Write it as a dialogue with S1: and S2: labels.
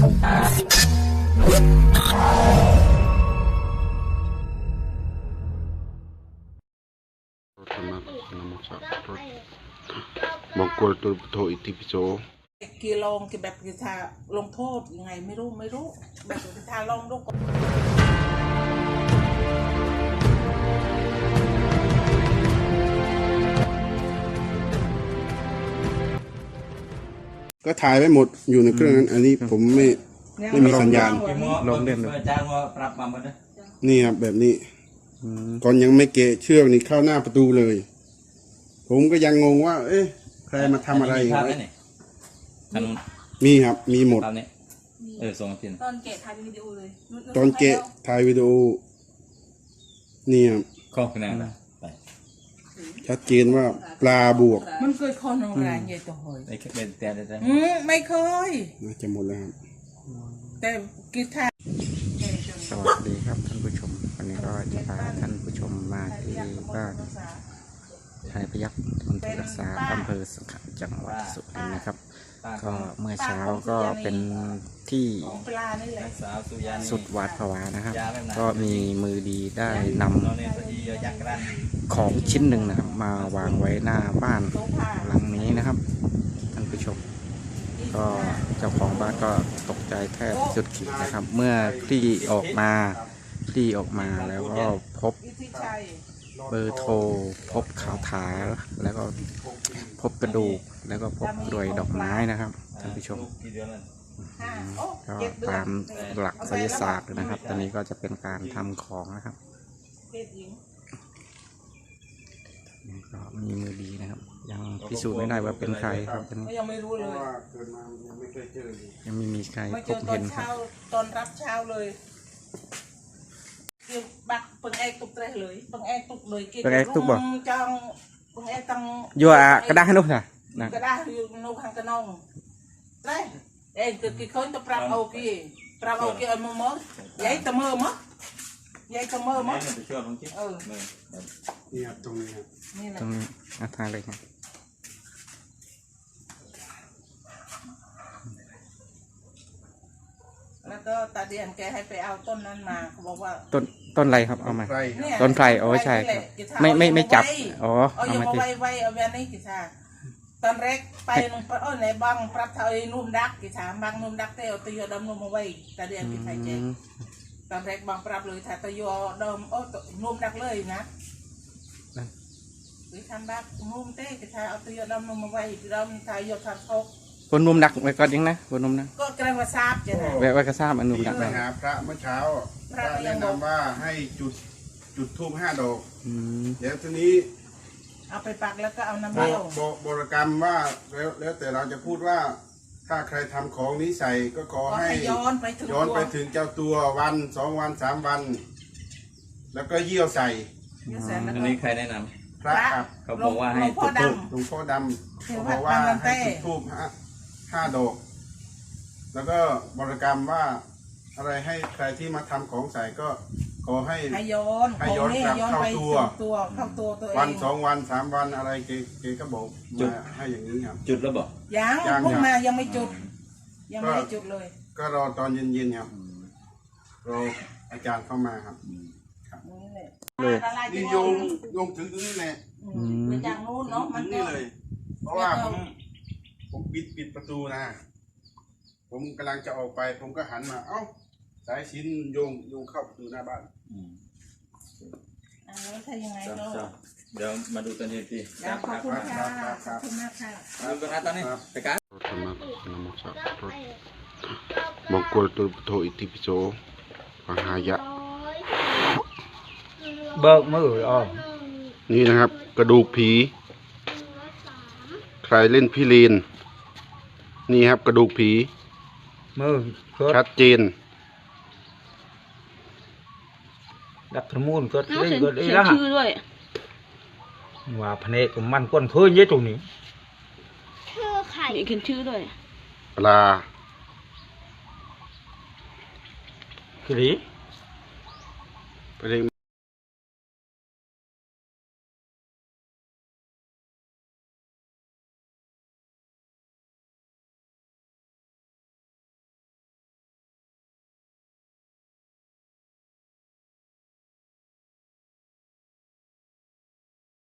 S1: มองกลตัวโทอิติปิโส
S2: กีลองกีแบบกีทาลงโทษยังไงไม่รู้แบบกีทาลองดู
S1: ก็ถ่ายไว้หมดอยู่ในเครื่องนั้นอันนี้ผมไม่มีสัญญาณ
S3: ลงเล่นเลย
S1: นี่ครับแบบนี้ก่อนยังไม่เกะเชือกนี่เข้าหน้าประตูเลย ผมก็ยังงงว่าเอ๊ะใครมาทำอะไรมีครับมีหมด
S3: ส่งมาพิน
S2: ตอนเกะถ่ายวิดีโอเลย
S1: ตอนเกะถ่ายวิดีโอนี่ครับ
S3: ข้อคะแนน
S1: ชัดเจนว่าปลาบวก
S2: มันเคยคอนแรงใหญ่ตัวหอย
S3: เป็นแต่
S2: ไม่เคย
S1: น่าจะหมดแล้วครับ
S2: แต่กีทา
S4: สวัสดีครับท่านผู้ชมวันนี้ก็จะพาท่านผู้ชมมาที่บ้านไทยพยัคฆ์มณฑลรักษาอำเภอสังขะจังหวัดสุรินทร์นะครับก็เมื่อเช้าก็เป็นที่สุดหวาดผวานะครับก็มีมือดีได้นำของชิ้นหนึ่งนะครับมาวางไว้หน้าบ้านหลังนี้นะครับท่านผู้ชมก็เจ้าของบ้านก็ตกใจแทบสุดขีดนะครับเมื่อคลี่ออกมาแล้วก็พบเบอร์โทรพบข่าวถาแล้วก็พบกระดูกแล้วก็พบกลวยดอกไม้นะครับท่านผู้ชมก็ตามหลักไสยศาสตร์นะครับตอนนี้ก็จะเป็นการทำของนะครับก็มีมือดีนะครับยังพิสูจน์ไม่ได้ว่าเป็นใครครับ
S2: ยังไม่รู้เลย
S4: ยังไม่มีใครพบเห็นครับ
S2: ตอนรับเช้าเลยบักปังแอกตุกเลยปังแอกตุกเลย
S4: ปังแอกตุกบ่
S2: จังปังแอกตัง
S4: ยัวกระดาษให้นุ๊กค่ะ
S2: กระดาษอยู่นุ๊กหางกระนองได้เอ็งก็กี่คนจะปรับเอากี่เอามือยัยตะมือมั้งนี่
S1: ครับตรงนี้ครับ
S4: ตรงนี้ทางเลยครับ
S2: แล้วก็ตาเดียนแกให้ไปเอาต้นนั้นมาเขาบอกว่า
S4: ต้นอะไรครับเอามาต้นไทรโอ้ใช่ครับไม่จับอ๋อ
S2: เอามาไว้เอาแบบนี้กิจาตอนแรกไปลงไปในบังปรับเท่าไอ้นุ่มดักกิจาบังนุ่มดักเตะตีดำนุ่มมาไว้ตาเดียนกิจาเจ๊ตอนแรกบังปรับเลยถ้าตีดำนุ่มดักเลยนะหรือทำบักนุ่มเตะกิจาเอาตีดำนุ่มมาไว้ดำทายทำทก
S4: บนนุ่มดักไว้ก่อนยังนะบนนุ่มนะ
S2: ก็กระว่าทราบจ้ะ
S4: ไว้กระซาบอันนุ่มดักไป
S1: หาพระเมื่อเช้าพระแนะนำว่าให้จุดธูป5 ดอกเดี๋ยวทีนี้
S2: เอาไปปักแล้วก็เอาน้ำเลี้ยว
S1: บริกรรมว่าแล้วแต่เราจะพูดว่าถ้าใครทำของนี้ใส่ก็ขอให้ย้อนไปถึงเจ้าตัววัน 2 วัน 3 วันแล้วก็เยี่ยวใส่
S3: อันนี้ใครแนะน
S1: ำพระครับ
S3: เขาบอกว่าให้
S1: จุดธูปหลวงพ่อดำเขาบอกว่าให้จุดธูป5 ดอกแล้วก็บริกรรมว่าอะไรให้ใครที่มาทำของใส่ก็ขอให้
S2: ย้อนกลับ
S1: เข้าตัว
S2: ตัว
S1: วัน 2 วัน 3 วันอะไรเกก็บอกมาให้อย่างนี้ครับ
S3: จุดแล้วบอก
S2: ยังพวกมายังไม่จุดยังไม่ได้จุดเลย
S1: ก็รอตอนเย็นๆครับรออาจารย์เข้ามาครับนี่โยงถึงตรงนี้แหละ
S2: ไปจากนู้นเนาะมัน
S1: นี่เลยเพราะว่าผมปิดประตูนะผมกำลังจะออกไปผมก็หันมาเอ้าสายชิ้นโยงเข้าประตูหน้าบ้าน
S2: แล้วใช่ยังไง
S3: เดี๋ยวมาดูกันที
S2: ขอบคุณค่ะขอบคุณมากค่ะ
S3: ดูกันนะตอนนี้ไปกัน
S1: มองกลตัวโทอิติปิโสมหายะ
S4: เบิกมืออ๋อ
S1: นี่นะครับกระดูกผีใครเล่นพี่ลีนนี่ครับกระดูกผี
S4: มือ
S1: ชัดเจน
S4: ดักขมูลก็ได้ก็ได้ละชื่อด้วยว่าพเนกมันก้นเพื่อนเยอะตรงนี้
S5: ชื่อไข่เขียนชื่อด้วย
S1: ปลา
S4: คือดี